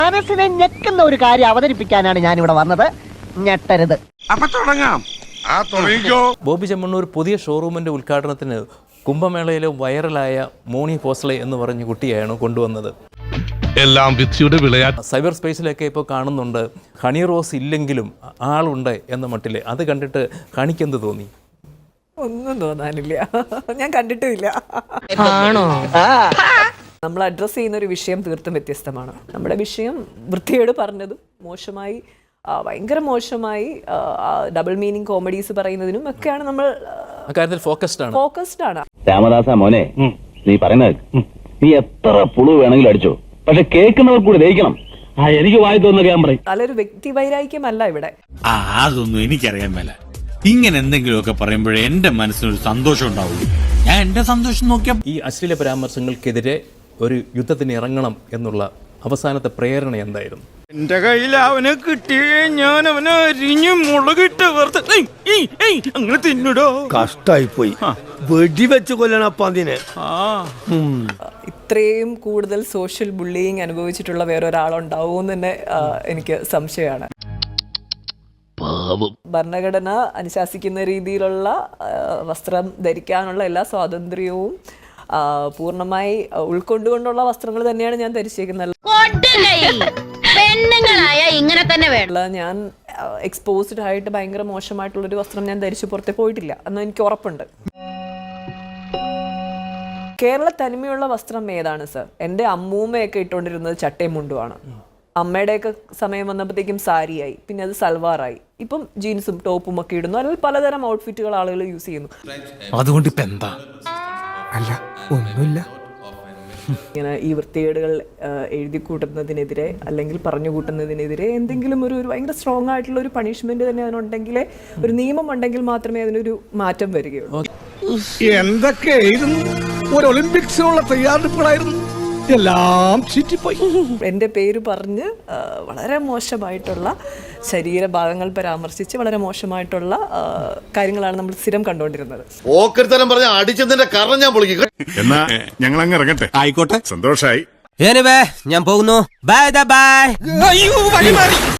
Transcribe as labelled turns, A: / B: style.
A: മനസ്സിനെ ഞെക്കുന്ന ഒരു കാര്യം അവതരിപ്പിക്കാനാണ് ഞാൻ ഇവിടെ വന്നത്. ഞെട്ടരുത്.
B: അപ്പൊ തുടങ്ങാം.
C: ബോബി ചെമ്മണ്ണൂർ പുതിയ ഷോറൂമിന്റെ ഉദ്ഘാടനത്തിന് കുംഭമേളയിലെ വൈറലായ മോണി ഫോസ്ലെ എന്ന് പറഞ്ഞ കുട്ടിയാണ് കൊണ്ടുവന്നത്.
D: എല്ലാം വിധിയുടെ വിളയാട്ട്.
C: സൈബർ സ്പേസിലൊക്കെ ഇപ്പോൾ കാണുന്നുണ്ട്, ഹണി റോസ് ഇല്ലെങ്കിലും ആളുണ്ട് എന്ന മട്ടില്. അത് കണ്ടിട്ട് ഹണിക്കെന്ത് തോന്നി?
E: ഒന്നും തോന്നാനില്ല, ഞാൻ കണ്ടിട്ടുമില്ല. നമ്മൾ അഡ്രസ്സ് ചെയ്യുന്ന ഒരു വിഷയം തീർത്തും വ്യത്യസ്തമാണ്. നമ്മുടെ വിഷയം വൃത്തിയോട് പറഞ്ഞതും മോശമായി, ഭയങ്കര മോശമായി ഡബിൾ മീനിങ് കോമഡീസ് പറയുന്നതിനും ഒക്കെയാണ് നമ്മൾ
C: അക്കാര്യത്തിൽ ഫോക്കസ്ഡ് ആണ്.
F: രാമദാസ മോനെ, നീ പറയുന്നത് നീ എത്ര പുളു വേണമെങ്കിലും അടിച്ചോ, പക്ഷെ കേൾക്കുന്നവർ കൂടി ദഹിക്കണം. എനിക്ക് വായി തോന്നുന്ന ഞാൻ പറയും.
E: നല്ലൊരു വ്യക്തി വൈരാഗ്യമല്ല ഇവിടെ.
G: അതൊന്നും എനിക്കറിയാൻ മേല. ഇങ്ങനെ എന്തെങ്കിലുമൊക്കെ പറയുമ്പോഴേ എന്റെ മനസ്സിനൊരു സന്തോഷം ഉണ്ടാവുള്ളൂ. ഞാൻ എന്റെ സന്തോഷം നോക്കിയാ.
C: ഈ അശ്ലീല പരാമർശങ്ങൾക്കെതിരെ ഒരു യുദ്ധത്തിന് ഇറങ്ങണം എന്നുള്ള അവസാനത്തെ പ്രേരണ എന്തായിരുന്നു?
B: എന്റെ കയ്യിൽ അവനെ കിട്ടിയേ ഞാൻ അവനെ അരിഞ്ഞു മുളകിട്ട് അങ്ങനെ തിന്നിടോ.
H: കഷ്ടായി പോയി, വെടിവെച്ച് കൊല്ലണപ്പ അതിനെ.
E: ഇത്രയും കൂടുതൽ സോഷ്യൽ ബുള്ളിയിങ് അനുഭവിച്ചിട്ടുള്ള വേറൊരാളുണ്ടാവുമെന്ന് തന്നെ എനിക്ക് സംശയമാണ്. ഭരണഘടന അനുശാസിക്കുന്ന രീതിയിലുള്ള വസ്ത്രം ധരിക്കാനുള്ള എല്ലാ സ്വാതന്ത്ര്യവും പൂർണ്ണമായി ഉൾക്കൊണ്ടുകൊണ്ടുള്ള വസ്ത്രങ്ങൾ തന്നെയാണ് ഞാൻ ധരിച്ചേക്കുന്നത്. ഞാൻ എക്സ്പോസ്ഡ് ആയിട്ട് ഭയങ്കര മോശമായിട്ടുള്ളൊരു വസ്ത്രം ഞാൻ ധരിച്ചു പുറത്തെ പോയിട്ടില്ല എന്ന് എനിക്ക് ഉറപ്പുണ്ട്. കേരള തനിമയുള്ള വസ്ത്രം ഏതാണ് സർ? എൻ്റെ അമ്മൂമ്മയൊക്കെ ഇട്ടുകൊണ്ടിരുന്നത് ചട്ടയും മുണ്ടുമാണ്. അമ്മയുടെയൊക്കെ സമയം വന്നപ്പോഴത്തേക്കും സാരിയായി, പിന്നെ അത് സൽവാറായി, ഇപ്പം ജീൻസും ടോപ്പും ഒക്കെ ഇടുന്നു. അല്ലെങ്കിൽ പലതരം ഔട്ട്ഫിറ്റുകൾ ആളുകൾ യൂസ് ചെയ്യുന്നു.
D: അതുകൊണ്ട് ഇപ്പൊ എന്താ?
H: അല്ല, ഒന്നുമില്ല.
E: ഇങ്ങനെ ഈ വൃത്തികേടുകൾ എഴുതി കൂട്ടുന്നതിനെതിരെ അല്ലെങ്കിൽ പറഞ്ഞു കൂട്ടുന്നതിനെതിരെ എന്തെങ്കിലും ഒരു ഭയങ്കര സ്ട്രോങ് ആയിട്ടുള്ള ഒരു പണിഷ്മെന്റ് തന്നെ അതിനുണ്ടെങ്കിലേ, ഒരു നിയമം ഉണ്ടെങ്കിൽ മാത്രമേ അതിനൊരു മാറ്റം വരികയുള്ളൂ.
H: എന്തൊക്കെയായിരുന്നു ഒരു ഒളിമ്പിക്സിനുള്ള തയ്യാറെടുപ്പുകളായിരുന്നു, എല്ലാം ചീറ്റിപ്പോയി.
E: എൻ്റെ പേര് പറഞ്ഞ് വളരെ മോശമായിട്ടുള്ള ശരീരഭാഗങ്ങൾ പരാമർശിച്ച് വളരെ മോശമായിട്ടുള്ള കാര്യങ്ങളാണ് നമ്മൾ സ്ഥിരം കണ്ടുകൊണ്ടിരുന്നത്.
I: ഓക്കരുത്തരം പറഞ്ഞ അടിച്ചതിന്റെ കാരണം ഞാൻ പൊളിക്കും.
D: എന്നാ ഞങ്ങൾ അങ്ങ് ഇറങ്ങട്ടെ.
G: ആയിക്കോട്ടെ,
D: സന്തോഷായി.
H: ഞാൻ പോകുന്നു. Bye by.